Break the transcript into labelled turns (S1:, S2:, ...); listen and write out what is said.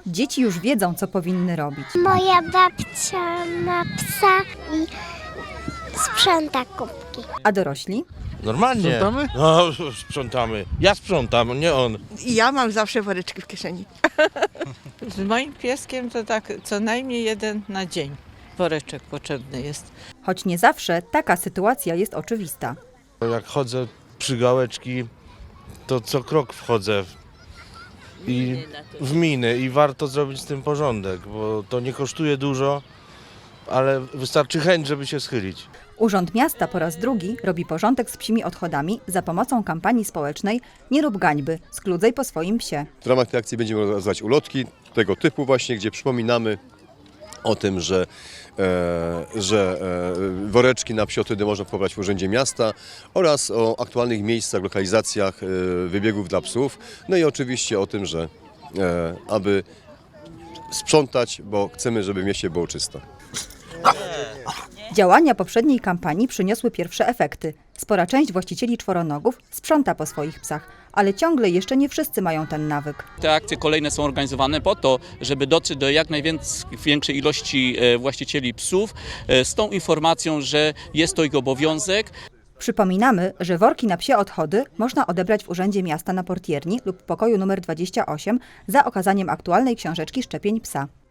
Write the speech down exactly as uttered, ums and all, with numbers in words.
S1: Dzieci już wiedzą, co powinny robić.
S2: Moja babcia ma psa i sprząta kubki.
S1: A dorośli?
S3: Normalnie.
S4: Sprzątamy?
S3: No, sprzątamy. Ja sprzątam, nie on.
S5: I ja mam zawsze woreczki w kieszeni.
S6: Z moim pieskiem to tak co najmniej jeden na dzień woreczek potrzebny jest.
S1: Choć nie zawsze taka sytuacja jest oczywista.
S3: Jak chodzę przy gałeczki, to co krok wchodzę w, i w miny i warto zrobić z tym porządek, bo to nie kosztuje dużo, ale wystarczy chęć, żeby się schylić.
S1: Urząd Miasta po raz drugi robi porządek z psimi odchodami za pomocą kampanii społecznej Nie rób gańby, skludzaj po swoim psie.
S7: W ramach tej akcji będziemy organizować ulotki tego typu właśnie, gdzie przypominamy o tym, że, e, że e, woreczki na psiotydy można pobrać w Urzędzie Miasta oraz o aktualnych miejscach, lokalizacjach e, wybiegów dla psów. No i oczywiście o tym, że e, aby sprzątać, bo chcemy, żeby w mieście było czysto.
S1: Działania poprzedniej kampanii przyniosły pierwsze efekty. Spora część właścicieli czworonogów sprząta po swoich psach, ale ciągle jeszcze nie wszyscy mają ten nawyk.
S8: Te akcje kolejne są organizowane po to, żeby dotrzeć do jak największej ilości właścicieli psów z tą informacją, że jest to ich obowiązek.
S1: Przypominamy, że worki na psie odchody można odebrać w Urzędzie Miasta na portierni lub pokoju numer dwadzieścia osiem za okazaniem aktualnej książeczki szczepień psa.